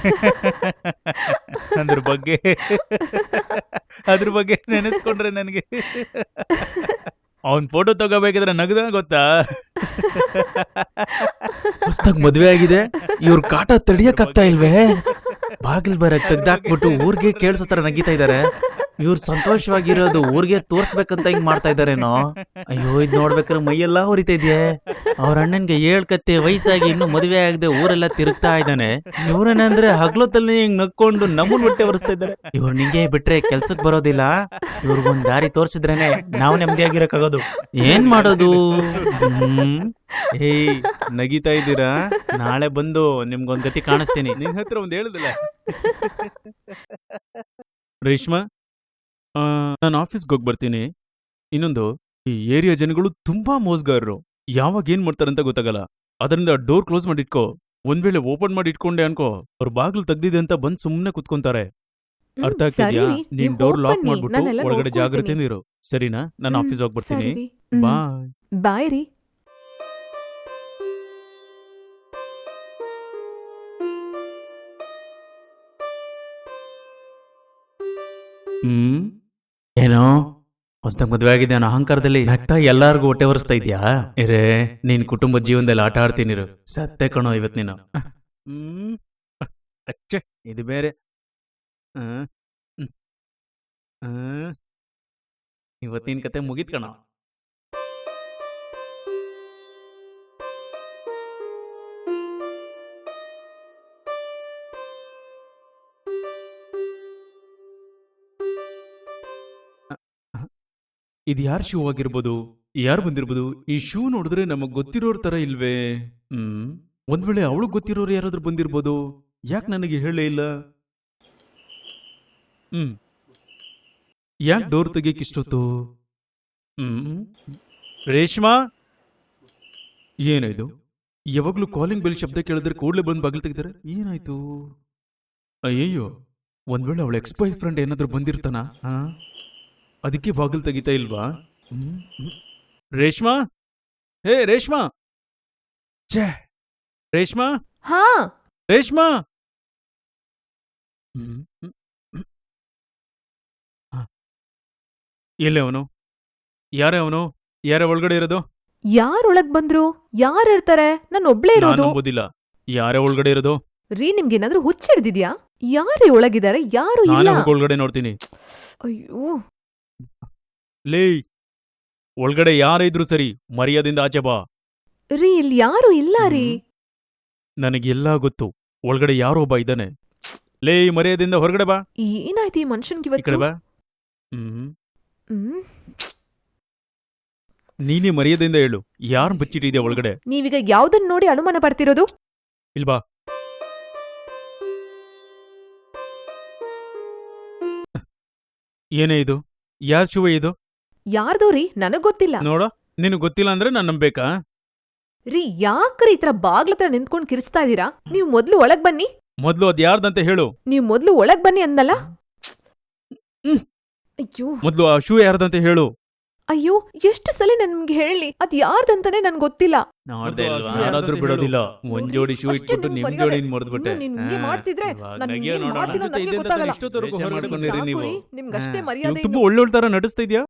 ಅದ್ರ ಬಗ್ಗೆ ಅದ್ರ ಬಗ್ಗೆ ನೆನೆಸ್ಕೊಂಡ್ರೆ ನನಗೆ ಅವನ್ ಫೋಟೋ ತಗೋಬೇಕಿದ್ರೆ ನಗದ ಗೊತ್ತಾ. ಹೊಸ್ದಾಗ್ ಮದ್ವೆ ಆಗಿದೆ, ಇವ್ರ ಕಾಟ ತಡಿಯಕ್ಕಾಗ್ತಾ ಇಲ್ವೇ? ಬಾಗಿಲ್ ಬರಕ್ ತೆಗ್ದಾಕ್ಬಿಟ್ಟು ಊರ್ಗೆ ಕೇಳ್ಸೋ ತರ ನಗಿತಾ ಇದಾರೆ. ಇವ್ರು ಸಂತೋಷವಾಗಿರೋದು ಊರ್ಗೆ ತೋರ್ಸ್ಬೇಕಂತ ಹಿಂಗ್ ಮಾಡ್ತಾ ಇದಾರೇನೋ. ಅಯ್ಯೋ, ಇದ್ ನೋಡ್ಬೇಕಾದ್ರೆ ಮೈಯೆಲ್ಲಾ ಹೊರಿತಾ ಇದೆಯೇ. ಅವ್ರ ಅಣ್ಣನ್ಗೆ 7 ಕತ್ತೆ ವಯಸ್ಸಾಗಿ ಇನ್ನು ಮದುವೆ ಆಗದೆ ಊರೆಲ್ಲ ತಿರುಗ್ತಾ ಇದ್ದಾನೆ. ಇವ್ರೇನಂದ್ರೆ ಹಗ್ಲೊತ್ತಲ್ಲಿ ಹಿಂಗ್ ನಕ್ಕೊಂಡು ನಮ್ಮನ್ ಹೊಟ್ಟೆ ಒರೆಸ್ತಾ ಇದ್ದಾರೆ. ಇವ್ರು ನಿಂಗೆ ಬಿಟ್ರೆ ಕೆಲ್ಸಕ್ ಬರೋದಿಲ್ಲ. ಇವ್ರಿಗೊಂದ್ ದಾರಿ ತೋರ್ಸಿದ್ರೇನೆ ನಾವ್ ನೆಮ್ಮದಿಯಾಗಿರಕ್ಕಾಗೋದು. ಏನ್ ಮಾಡೋದು? ಏಯ್, ನಗಿತಾ ಇದ್ದೀರಾ? ನಾಳೆ ಬಂದು ನಿಮ್ಗೊಂದ್ ಗತಿ ಕಾಣಿಸ್ತೀನಿ. ನಿನ್ ಹತ್ರ ಒಂದ್ ಹೇಳುದಿಲ್ಲ. ರೇಷ್ಮಾ, ನಾನು ಆಫೀಸ್ಗೆ ಹೋಗಿ ಬರ್ತೀನಿ. ಇನ್ನೊಂದು, ಈ ಏರಿಯಾ ಜನಗಳು ತುಂಬಾ ಮೋಸ್ಗಾರರು. ಯಾವಾಗ ಏನ್ ಮಾಡ್ತಾರಂತ ಗೊತ್ತಾಗಲ್ಲ. ಅದರಿಂದ ಡೋರ್ ಕ್ಲೋಸ್ ಮಾಡಿ ಇಟ್ಕೋ. ಒಂದ್ ವೇಳೆ ಓಪನ್ ಮಾಡಿ ಇಟ್ಕೊಂಡೆ ಅನ್ಕೋ, ಅವ್ರ ಬಾಗ್ಲು ತೆಗ್ದಿದೆ ಅಂತ ಬಂದ್ ಸುಮ್ನೆ ಕುತ್ಕೊಂತಾರೆ. ಅರ್ಥ ಆಗ್ತಿದ್ಯಾ? ನೀನ್ ಡೋರ್ ಲಾಕ್ ಮಾಡ್ಬಿಟ್ಟು ಒಳಗಡೆ ಜಾಗ್ರತೆಯಿಂದ ಇರು, ಸರಿನಾ? ನಾನು ಆಫೀಸ್ ಹೋಗಿ ಬರ್ತೀನಿ. ಬಾಯ್. ಬಾಯ್ ರೀ. ಏನೋ ಹೊಸ್ದಾಗ್ ಮದ್ವೆ ಆಗಿದೆ ಅನ್ನೋ ಅಹಂಕಾರದಲ್ಲಿ ನಗ್ತಾ ಎಲ್ಲಾರ್ಗು ಹೊಟ್ಟೆ ಒರೆಸ್ತಾ ಇದ್ಯಾ? ಇರೇ, ನೀನ್ ಕುಟುಂಬದ ಜೀವನದಲ್ಲಿ ಆಟ ಆಡ್ತೀನಿರು. ಸತ್ತೆ ಕಣೋ ಇವತ್ ನೀನು. ಅಚ್ಚೆ, ಇದು ಬೇರೆ. ಹ್ಮ್. ಹ್ಮ್. ಇವತ್ತಿನ ಕತೆ ಮುಗಿತ್ ಕಣೋ. ಇದು ಯಾರ್ ಶೂ ಆಗಿರ್ಬೋದು? ಯಾರು ಬಂದಿರ್ಬೋದು? ಈ ಶೂ ನೋಡಿದ್ರೆ ನಮಗ್ ಗೊತ್ತಿರೋರ್ ತರ ಇಲ್ವೇ? ಒಂದ್ ವೇಳೆ ಅವಳು ಗೊತ್ತಿರೋರು ಯಾರಾದ್ರೂ ಬಂದಿರ್ಬೋದು. ಯಾಕೆ ನನಗೆ ಹೇಳೇ ಇಲ್ಲ? ಯಾಕೆ ಡೋರ್ ತೆಗಿಯಕ್ ಇಷ್ಟೊತ್ತು? ರೇಷ್ಮಾ, ಏನಾಯ್ತು? ಯಾವಾಗ್ಲೂ ಕಾಲಿಂಗ್ ಬೆಲ್ ಶಬ್ದ ಕೇಳಿದ್ರೆ ಕೂಡ್ಲೆ ಬಂದು ಬಾಗಿಲು ತೆಗಿತಾರೆ. ಏನಾಯ್ತು? ಅಯ್ಯಯ್ಯೋ, ಒಂದ್ ವೇಳೆ ಅವಳ ಎಕ್ಸ್ ಬಾಯ್ ಫ್ರೆಂಡ್ ಏನಾದ್ರೂ ಬಂದಿರ್ತಾನ? ಅದಕ್ಕೆ ಬಾಗಿಲು ತೆಗಿತಾ ಇಲ್ವಾ? ರೇಷ್ಮಾ, ಹೇ ರೇಷ್ಮಾ, ಛೇ ರೇಷ್ಮಾ, ಹಾ, ರೇಷ್ಮಾ. ಎಲ್ಲೇ ಅವನು? ಯಾರೇ ಅವನು? ಯಾರ ಒಳಗಡೆ ಇರೋದು? ಯಾರೊಳಗ್ ಬಂದ್ರು? ಯಾರು ಇರ್ತಾರೆ? ನಾನು ಒಬ್ಳೇ ಇರೋದು. ನಂಬೋದಿಲ್ಲ. ಯಾರೇ ಒಳಗಡೆ ಇರೋದು? ರೀ, ನಿಮ್ಗೇನಾದ್ರೂ ಹುಚ್ಚಿಡ್ದಿದ್ಯಾ? ಯಾರೇ ಒಳಗಿದ್ದಾರೆ? ಯಾರು ಇಲ್ಲ. ನಾನೇ ಹೋಗಿ ಒಳಗಡೆ ನೋಡ್ತೀನಿ. ಅಯ್ಯೋ, ಲೇ, ಒಳಗಡೆ ಯಾರೇ ಇದ್ರು ಸರಿ, ಮರ್ಯಾದಿಂದ ಆಚೆ ಬಾ. ರೀ, ಇಲ್ಲಿ ಯಾರು ಇಲ್ಲ ರೀ. ನನಗೆಲ್ಲಾ ಗೊತ್ತು. ಒಳಗಡೆ ಯಾರೋ ಒಬ್ಬ ಇದ್ದಾನೆ. ಲೇ, ಮರ್ಯಾದಿಂದ ಹೊರಗಡೆ ಬಾ. ಏನಾಯ್ತು ಈ ಮನುಷ್ಯನ್ಗೆ ಈ ಕಡೆ ಇವತ್ತು? ಬಾ. ನೀನೇ ಮರ್ಯಾದೆಯಿಂದ ಹೇಳು, ಯಾರು ಬಚ್ಚಿಟ್ಟಿದ್ಯಾ ಒಳಗಡೆ? ನೀವೀಗ ಯಾವ್ದನ್ನ ನೋಡಿ ಅನುಮಾನ ಪಡ್ತಿರೋದು? ಇಲ್ಬಾ. ಏನೇ ಇದು? ಯಾರ್ ಶುವೆ ಇದು? ಯಾರ್ದೋ ರೀ, ನನಗ್ ಗೊತ್ತಿಲ್ಲ. ನೋಡ, ನಿನಗ್ ಗೊತ್ತಿಲ್ಲ ಅಂದ್ರೆ ನಾನ್ ನಂಬೇಕಾ? ರೀ, ಯಾಕ್ರಿ ಈ ತರ ಬಾಗ್ಲತ್ರ ನಿಂತ್ಕೊಂಡ್ ಕಿರ್ಚ್ತಾ ಇದೀರಾ? ನೀವ್ ಮೊದ್ಲು ಒಳಗ್ ಬನ್ನಿ. ಮೊದ್ಲು ಅದ್ ಯಾರ್ದಂತ ಹೇಳು. ನೀವ್ ಮೊದ್ಲು ಒಳಗ್ ಬನ್ನಿ ಅಂದಲ್ಲ? ಅಯ್ಯೋ, ಮೊದ್ಲು ಆ ಶೂ ಯಾರ್ದಂತ ಹೇಳು. ಅಯ್ಯೋ, ಎಷ್ಟು ಸಲ ನಿಮ್ಗೆ ಹೇಳಿ, ಅದ್ ಯಾರ್ದಂತಾನೆ ನನ್ ಗೊತ್ತಿಲ್ಲ. ನೋಡ್ದೆ ಅಲ್ವಾ? ಯಾರಾದ್ರೂ ಬಿಡೋದಿಲ್ಲ. ಒಂದ್ ಜೋಡಿ ಶೂ ಅಷ್ಟೇ ಇಟ್ಬಿಟ್ಟು ನಿಮ್ಗೆ ನಿಮ್ ಮರ್ಯಾದೆ. ಜೋಡಿ ಮರ್ದ್ಬಿಟ್ಟೆ. ನೀವ್ ಹಿಂಗೆ ಮಾಡ್ತಿದ್ರೆ ನಾನ್ ಏನ್ ಮಾಡ್ತೀನೋ ನನಗೆ ಗೊತ್ತಾಗಲ್ಲ. ಇಷ್ಟೊತ್ತವರೆಗೂ ಬೇಜಾರ್ ಹೊರಡ್ಕೊಂಡಿರಿ ಸಾಕು ನೀವು. ರೀ, ನಿಮ್ಗಷ್ಟೇ ಹಾ. ಮರ್ಯಾದೆ. ತುಂಬಾ ಒಳ್ಳೊಳ್ಳೆ ತರ ನಡೆಸ್ತಾ ಇದ್ಯಾ?